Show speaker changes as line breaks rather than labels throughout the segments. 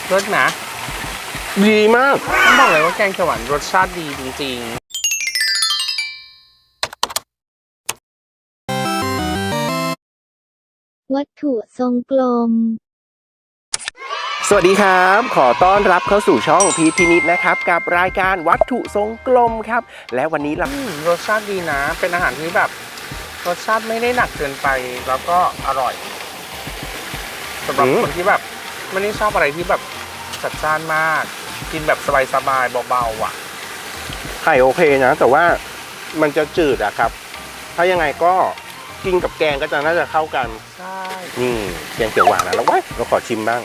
รสนะ
ดีมาก
ต้องบอกเลยว่าแกงเขียวหวานรสชาติดีจริง
ๆวัตถุทรงกลม
สวัสดีครับขอต้อนรับเข้าสู่ช่องพีทพินิจนะครับกับรายการวัตถุทรงกลมครับและวันนี้
รสชาติดีนะเป็นอาหารที่แบบรสชาติไม่ได้หนักเกินไปแล้วก็อร่อยสำหรับคนที่แบบไม่ได้ชอบอะไรที่แบบจัดจ้านมากกินแบบสบายๆเบาๆอ่ะ
ไข่โอเคนะแต่ว่ามันจะจืดอะครับถ้ายังไงก็กินกับแกงก็จะน่าจะเข้ากัน
ใช่
นี่แกงเขียวหวานนะแล้วเราขอชิมบ้าง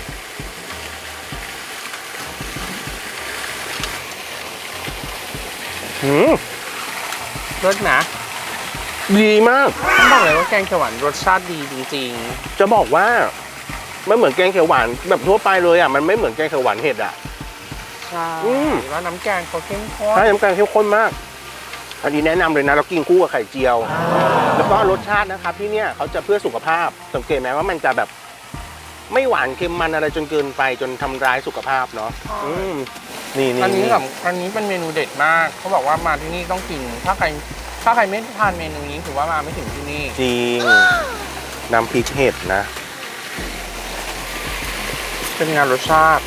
รสนะ
ดีมาก
ต้องบอกเลยว่าแกงเขียวหวานรสชาติดีจริง
ๆจะบอกว่าไม่เหมือนแกงเขียวหวานแบบทั่วไปเลยอ่ะมันไม่เหมือนแกงเขียวหวานเห็ดอ่ะ
ใช่แล้วน้ำแกงเขาเข้มข้น
ใช่น้ำแกงเข้มข้นมากอันนี้แนะนำเลยนะเรากินคู่กับไข่เจียวแล้วก็รสชาตินะครับที่เนี่ยเขาจะเพื่อสุขภาพสังเกตไหมว่ามันจะแบบไม่หวานเค็มมันอะไรจนเกินไปจนทำร้ายสุขภาพเนาะนี่
อันนี้เป็นเมนูเด็ดมากเขาบอกว่ามาที่นี่ต้องกินถ้าใครไม่ทานเมนูนี้ถือว่ามาไม่ถึงที่นี่
จริงน้ำพริกเห็ดนะ
เป็นงานรสชาติ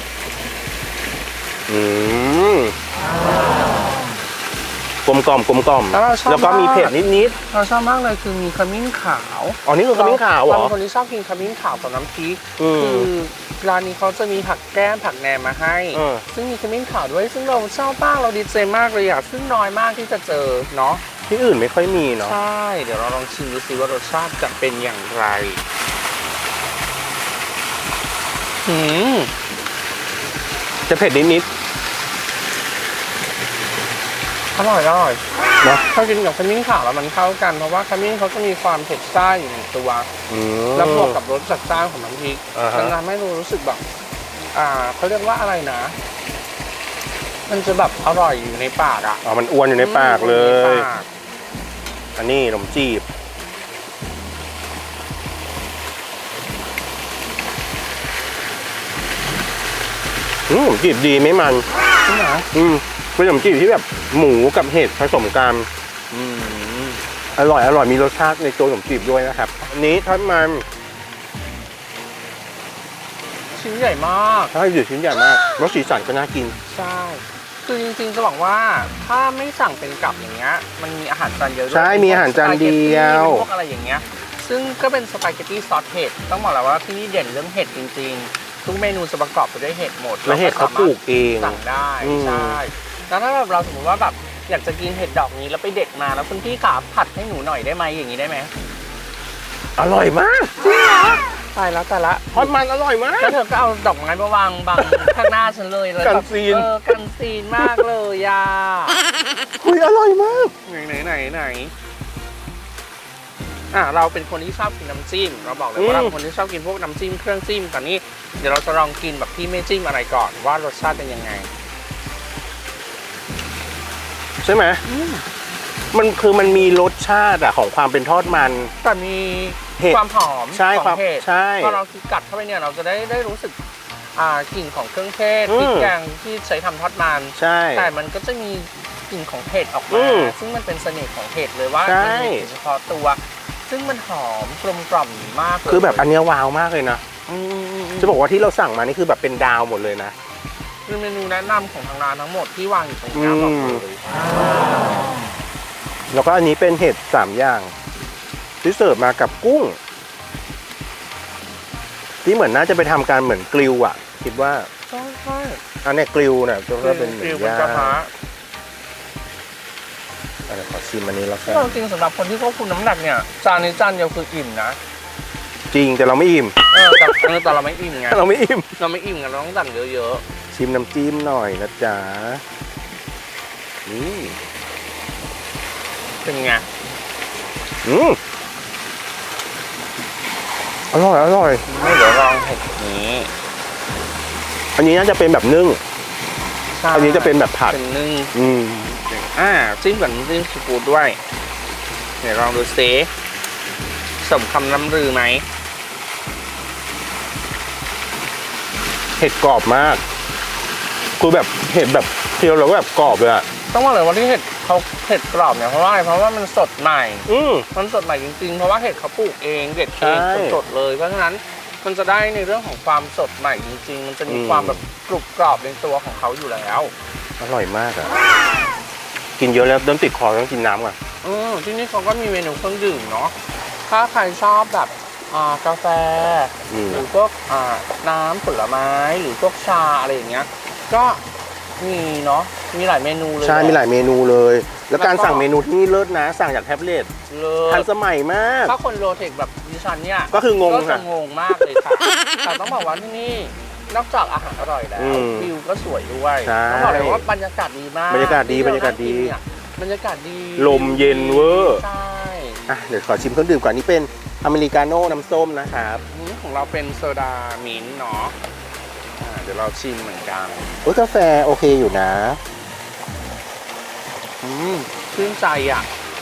กลมกล่อมแล้วก็มีเผ็ดนิด
เราชอบมากเลยคือมีขมิ้นขาว
อ๋อนี่คือขมิ้นขาวเหรอ
คนที่ชอบกินขมิ้นขาวกับน้ำพริกคือร้านนี้เขาจะมีผักแก้มผักแหนมมาให้ซึ่งมีขมิ้นขาวด้วยซึ่งเราชอบมากเราดีใจมากเลยอ่ะซึ่งน้อยมากที่จะเจอเนาะ
ที่อื่นไม่ค่อยมีเนาะ
ใช่เดี๋ยวเราลองชิมดูสิว่ารสชาติจะเป็นอย่างไร
จะเผ็ดนิด
อร่อย
เนาะ
ถ้ากินกับขมิ้นขาวแล้วมันเข้ากันเพราะว่าขมิ้นเขาจะมีความเผ็ดซ่าอยู่ในตัวแล้วบวกกับรสจัดจ้านของน้ำพริกมันทำให้รู้สึกแบบเขาเรียกว่าอะไรนะมันจะแบบอร่อยอยู่ในปากอ่ะ
มันอ้วนอยู่ในปากเลยอันนี้ขนมจีบขนมจีบดีไม่มัน
ใช่ไหม
เป็นขนมจีบที่แบบหมูกับเห็ดผสมกันอร่อยมีรสชาติในตัวขนมจีบด้วยนะครับอันนี้ทอดมัน
ชิ้นใหญ่มาก
ใช่ชิ้นใหญ่มากรสสีสันก็น่ากิน
ใช่คือจริงๆจะบอกว่าถ้าไม่สั่งเป็นกับอย่างเงี้ยมันมีอาหารจานเดียวด้วย
ใช่มีอาหารจานเดียว
พวกอะไรอย่างเงี้ยซึ่งก็เป็นสปาเกตตี้ซอสเห็ดต้องบอกแล้วว่าที่นี่เด่นเรื่องเห็ดจริงๆทุกเมนูจะประกอบไปด้วยเห็ดหมด
และเห็ดเขาปลูกเอง
สั่งได้ใช่แล้วถ้าแบบเราสมมติว่าแบบอยากจะกินเห็ดดอกนี้แล้วไปเด็ดมาแล้วคุณพี่ขาผัดให้หนูหน่อยได้ไหมอย่างนี้ได้ไหม
อร่อยมาก
จริงเหรอตายละ
ทอดมันอร่อยมาก
แล้วเธอก็เอาดอกไม้มาวางบังข้างหน้าฉันเลย
กันซีน
กันซีนมากเลยย่า
อร่อยมาก
ไหนเราเป็นคนที่ชอบกินน้ำจิ้มเราบอกเลยว่าเราเป็นคนที่ชอบกินพวกน้ำจิ้มเครื่องจิ้มตอนนี้เดี๋ยวเราจะลองกินแบบที่ไม่จิ้มอะไรก่อนว่ารสชาติเป็นยังไง
ใช่ไหมมันมีรสชาติของความเป็นทอดมัน
แต่มีความหอมของเห็ดพอเรากัดเข้าไปเนี่ยเราจะได้รู้สึกกลิ่นของเครื่องเทศพริกแกงที่ใช้ทำทอดมันแต่มันก็จะมีกลิ่นของเห็ดออกมาซึ่งมันเป็นเสน่ห์ของเห็ดเลยว่ามันมีเฉพาะตัวซึ่งมันหอมกลมกล่อมมาก
คือแบบอันนี้ว้าวมากเลยนะจะบอกว่าที่เราสั่งมานี่คือแบบเป็นดาวหมดเลยนะ
เป็นเมนูแนะนำของทางร้านทั้งหมดที่วางอยู่ตรงนี้บอกเลย
แล้วก็อันนี้เป็นเห็ด3อย่างที่เสิร์ฟมากับกุ้งที่เหมือนน่าจะไปทำการเหมือนกริลอ่ะคิดว่า
ใช่
อันนี้กริลเนี่ยก็เป็นเหมือนย่างขอชิมอันนี้แล้วกัน
จริงสำหรับคนที่ควบคุมน้ำหนักเนี่ยจานนี้จานเดียวคืออิ่มนะ
จริงแต่เราไม่อิ่ม
แต่เราไม่อิ่มไง
เราไม่อิ่ม
กันเราต้องสั่งเยอะ
ๆชิมน้ำจิ้มหน่อยนะจ๊ะนี่
เป็นไง
อร่อย
เดี๋ยวลองเห็ดนี้
อันนี้น่าจะเป็นแบบนึ่งอันนี้จะเป็นแบบผัด
เป็นนึ่งจิ้มกับน้ำจิ้มซีฟู้ดด้วยเดี๋ยวลองดูซิสมคำล่ำลือไหม
ห็ดกรอบมากคือแบบเห็ดแบบเคี้ยวแล้วแบบกรอบเลยอะ
ต้องบอกเลยว่าที่เห็ดเขาเห็ดกรอบเนี่ยเพราะว่าอะไรเพราะว่ามันสดใหม่มันสดใหม่จริงๆเพราะว่าเห็ดเขาปลูกเองเด็ดเองสดๆเลยเพราะฉะนั้นมันจะได้ในเรื่องของความสดใหม่จริงๆมันจะมีความแบบกรุบกรอบในตัวของเขาอยู่แล้ว
อร่อยมากอะกินเยอะแล้วเริ่มติดคอต้องกินน้ำก่อน
ที่นี่เขาก็มีเมนูเครื่องดื่มเนาะถ้าใครชอบแบบกาแฟหรือพวกน้ำผลไม้หรือพวกชาอะไรอย่างเงี้ยก็มีเนาะมีหลายเมนูเลย
ใช่มีหลายเมนูเลยแล้วการสั่งเมนูที่นี่เลิศนะสั่งจากแท็บเล็ตทันสมัยมาก
ถ้าคนโลเทคแบบดิฉันเนี่ย
ก็คืองง
ก็จะงงมากเลยค่ะแต่ต้องบอกว่าที่นี่นอกจากอาหารอร่อยแล้ววิวก็สวยด้วยต้องบอกเลยว่าบรรยากาศดีมาก
บรรยากาศดีบรรยากาศดี
ล
มเย็นเวอร์
ใช่
เดี๋ยวขอชิมเครื่องดื่มก่อนนี่เป็นอเมริกาโน่น้ำส้มนะครับ
ของเราเป็นโซดามิ้นท์เนาะเดี๋ยวเราชิมเหมือนกัน
กาแฟโอเคอยู่นะ
ชื่นใจอ่ะ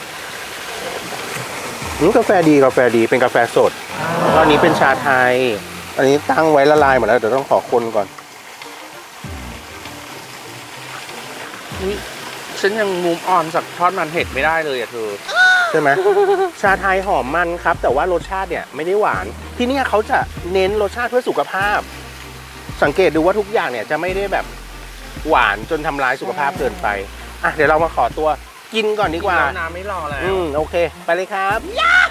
กาแฟดีเป็นกาแฟสดตอนนี้เป็นชาไทยอันนี้ตั้งไว้ละลายหมดแล้วเดี๋ยวต้องขอคนก่อน
ฉันยังมูฟออนจากทอดมันเห็ดไม่ได้เลยอ่ะเธอ
ใช่ไหมชาไทยหอมมันครับแต่ว่ารสชาติเนี่ยไม่ได้หวานที่นี่เขาจะเน้นรสชาติเพื่อสุขภาพสังเกตดูว่าทุกอย่างเนี่ยจะไม่ได้แบบหวานจนทำร้ายสุขภาพเกินไปเดี๋ยวเรามาขอตัวกินก่อนดีกว่า
น้ำไม่รอแล้ว
โอเคไปเลยครับยา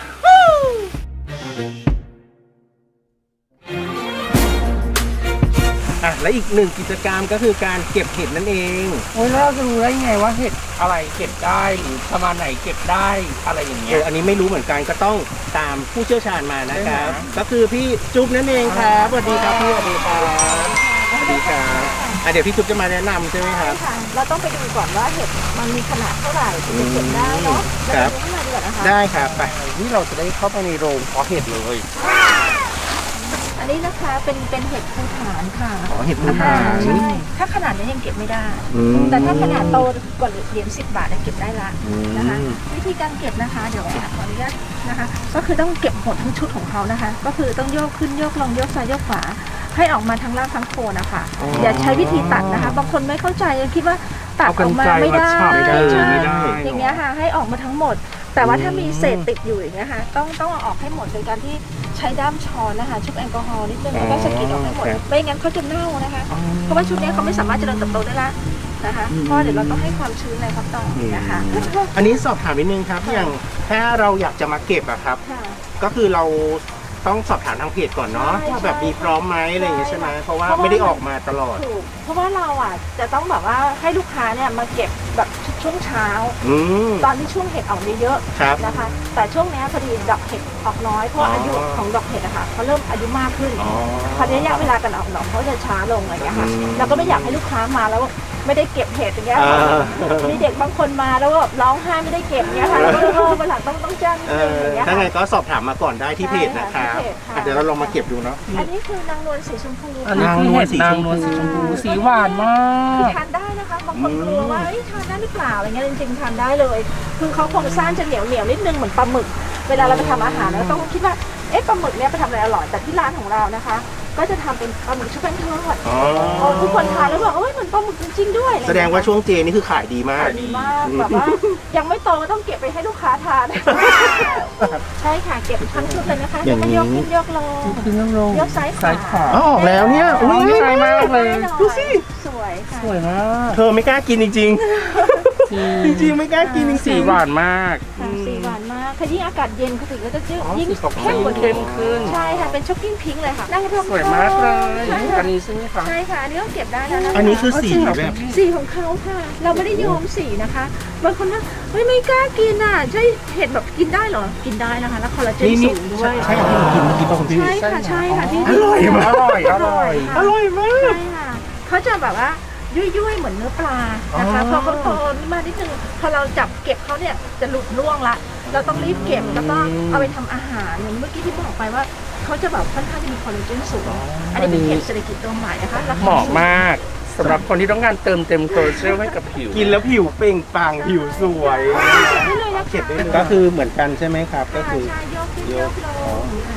ฮูและอีกหนึ่งกิจกรรมก็คือการเก็บเห็ดนั่นเอง
แล้วเราจะรู้ได้ไงว่าเห็ดอะไรเก็บได้หรือประมาณไหนเก็บได้อะไรอย่างเงี้ย
อันนี้ไม่รู้เหมือนกันก็ต้องตามผู้เชี่ยวชาญมานะครับก็คือพี่จุ๊บนั่นเองครับสวัสดีครับพี่สวัสดีครับสวัสดีครับเดี๋ยวพี่จุ๊บจะมาแนะนำใช่ไหมครับ
เราต้องไปดูก่อนว่าเห็ดมันมีขนาดเท่าไหร่ถึงจะเก็บได้เนาะ
ครับได้ครับไป
นี่เราจะได้เข้าไปในโรงเพาะเห็ดเลย
อันนี้นะคะเป็นเห็ดภูฐานค่ะ
เห็ดภูฐาน
ใช่ถ้าขนาดนี้ยังเก็บไม่ได้แต่ถ้าขนาดโตกว่าเหรียญ10 บาทเก็บได้ละนะคะวิธีการเก็บนะคะเดี๋ยวขออนุญาตนะคะก็คือต้องเก็บหมดทั้งชุดของเขานะคะก็คือต้องโยกขึ้นโยกลงโยกซ้ายโยกขวาให้ออกมาทั้งรากทั้งโคนนะคะอย่าใช้วิธีตัดนะคะบางคนไม่เข้าใจคิดว่าตัดออกมาไม่ได้อย่างเงี้ยค่ะให้ออกมาทั้งหมดแต่ว่าถ้ามีเศษติดอยู่อย่างเงี้ยค่ะต้องเอาออกให้หมดโดยการที่ใช้ด้ามช้อนนะคะชุบแอลกอฮอล์นิดนึงแล้วก็สกิดออกให้หมดไม่งั้นเขาจะเน่านะคะเพราะว่าชุดนี้เขาไม่สามารถเจริญเติบโตได้ละนะคะเพราะเดี๋ยวเราต้องให้ความชื้นในครับต่อนะคะ
อันนี้สอบถามนิดนึงครับอย่างถ้าเราอยากจะมาเก็บอะครับก็คือเราต้องสอบถามทางเพจก่อนเนาะว่าแบบมีพร้อมไหมอะไรอย่างเงี้ยใช่ไหมเพราะว่าไม่ได้ออกมาตลอด
เพราะว่าเราจะต้องแบบว่าให้ลูกค้าเนี่ยมาเก็บแบบช่วงเช้าตอนที่ช่วงเห็ดออกเยอะๆนะคะแต่ช่วงนี้พอดีดอกเห็ดออกน้อยเพราะอายุของดอกเห็ดอะค่ะเขาเริ่มอายุมากขึ้นพอระยะเวลาการออกดอกเขาจะช้าลงอะไรอย่างเงี้ยค่ะเราก็ไม่อยากให้ลูกค้ามาแล้วไม่ได้เก็บเห็ดอย่างเงี้ยมีเด็กบางคนมาแล้วก็ร้องไห้ไม่ได้เก็บเงี้ยค่ะแล้วก็วันหลังต้องแจ้งอย่างเงี้ย
ถ้าไงก็สอบถามมาก่อนได้ที่เพจนะครับเดี๋ยวเราลองมาเก็บดูเนาะ
อันนี้คือนางนวลสีชมพู
นางนวลสีชมพูสีหวานมาก
ทานได้นะคะบางคนกลัวว่าทานได้หรือเปล่าอะไรเงี้ยจริงๆทานได้เลยคือเขาโครงสร้างจะเหนียวนิดนึงเหมือนปลาหมึกเวลาเราไปทำอาหารเราต้องคิดว่าปลาหมึกเนี้ยไปทำอะไรอร่อยแต่ที่ร้านของเรานะคะก็จะทำเป็นปลาหมึกชุบแป้งทอดทุกคนทานแล้วบอกเหมือนปลาหมึกจริงๆด้วย
แสดงว่าช่วงเจนี่คือขายดีมาก
แบบว่ายังไม่โตก็ต้องเก็บไปให้ลูกค้าทานใช่ค่ะเก็บทั้งชุดเลยนะคะแล้วก็ยกขึ้นยกลงยกซ้ายขวา
ออกแล้วเนี่ย
อุ้ยใช่มากเลย
ดูสิ
สวยค่ะ
สวยมาก
เธอไม่กล้ากินจริงๆจริงๆไม่กล้ากินจริงๆ
สีหวานมาก
สีหวานมากคือยิ่งอากาศเย็นเขาถึงก็จะยิ่ง
เข้มขึ้น
ใช่ค่ะเป็นช็อกกิ้งพิงค์เลยค่ะนั่ง
สวยมากเลยอันนี้ใช่ไหมคะ
ใช่ค่ะอันนี้ต้องเก็บได้นะ
อันนี้คือสีแบบ
สีของเขาค่ะเราไม่ได้ย้อมสีนะคะบางคนนะไม่กล้ากินใช่เห็ดแบบกินได้เหรอกินได้นะคะแล้วคอลลาเจนสูงด้วย
ใช่ค่ะที่เรากินเมื่อกี้ป่ะคุณพี่
ใช่ค่ะที่
อร่อยมาก
อร่อยมาก
ใช่ค่ะเขาจะแบบว่ายุ่ยๆเหมือนเนื้อปลานะคะพอเขาโตมานิดนึงพอเราจับเก็บเขาเนี่ยจะหลุดร่วงละเราต้องรีบเก็บแล้วก็เอาไปทำอาหารอย่างเมื่อกี้ที่บอกไปว่าเขาจะแบบค่อนข้างจะมีคอลลาเจนสูงอันนี้เป็นเห็ดเศรษฐกิจตัวใหม่นะคะ
เหมาะมากสำหรับคนที่ต้องการเติมเต็มโคลเจลให้กับผิว
กินแล้วผิวเปล่งปลั่งผิวสวยเก็บได้เลยก็คือเหมือนกันใช่ไหมครับก็คือ
โยกลง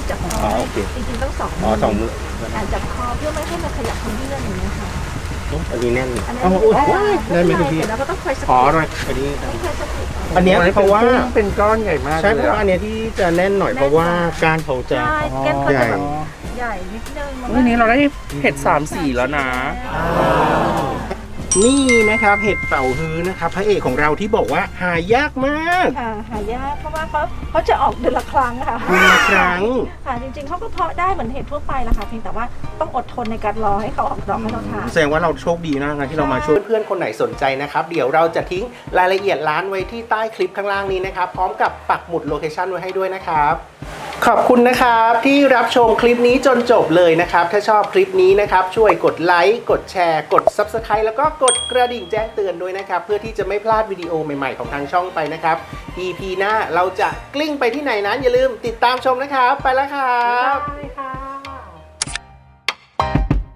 จับคอ
โอเค
จริงๆต้อง2
อ๋อ2 มือ
จับคอเพื่อไม่ให้มันขยับขยื่นอย่างเงี้ยค่ะ
อันนี้แน่น
อันนี้
อ๋ออุ๊ยได้ไหมคุณพี่
แล้วก็ต้องคอยส
อ๋อ
กิด
หน่อยอันนี้
ต้องคอยสกิด
อันเนี้ยเพราะว่า
เป็นก้อนใหญ่มาก
ใช่เพราะว่าอันเนี้ยที่จะแน่นหน่อยเพราะว่าก้านเขาจะ
ใช่แก้มเขา
ใหญ่
จะแบบใหญ่นิดนึง
วันนี้เราได้เห็ด3 สีแล้วนะ
นี่นะครับเห็ดเป่าฮื้อนะครับพระเอกของเราที่บอกว่าหายากมาก
ค่ะหายากเพราะว่าเขาจะออกเดือนละครั้งค่ะ
เดือนละครั้ง
ค่ะจริงๆเขาก็เพาะได้เหมือนเห็ดทั่วไปแหละค่ะเพียงแต่ว่าต้องอดทนในการรอให้เขาออกดอกให้เราทาน
แสดงว่าเราโชคดีมากนะที่เรามาช่วยเพื่อนๆคนไหนสนใจนะครับเดี๋ยวเราจะทิ้งรายละเอียดร้านไว้ที่ใต้คลิปข้างล่างนี้นะครับพร้อมกับปักหมุดโลเคชั่นไว้ให้ด้วยนะครับขอบคุณนะครับที่รับชมคลิปนี้จนจบเลยนะครับถ้าชอบคลิปนี้นะครับช่วยกดไลค์กดแชร์กด Subscribe แล้วก็กดกระดิ่งแจ้งเตือนด้วยนะครับเพื่อที่จะไม่พลาดวิดีโอใหม่ๆของทางช่องไปนะครับ EP หน้าเราจะกลิ้งไปที่ไหนนั้นอย่าลืมติดตามชมนะครับไปแล้วครับ
ได้ค่ะ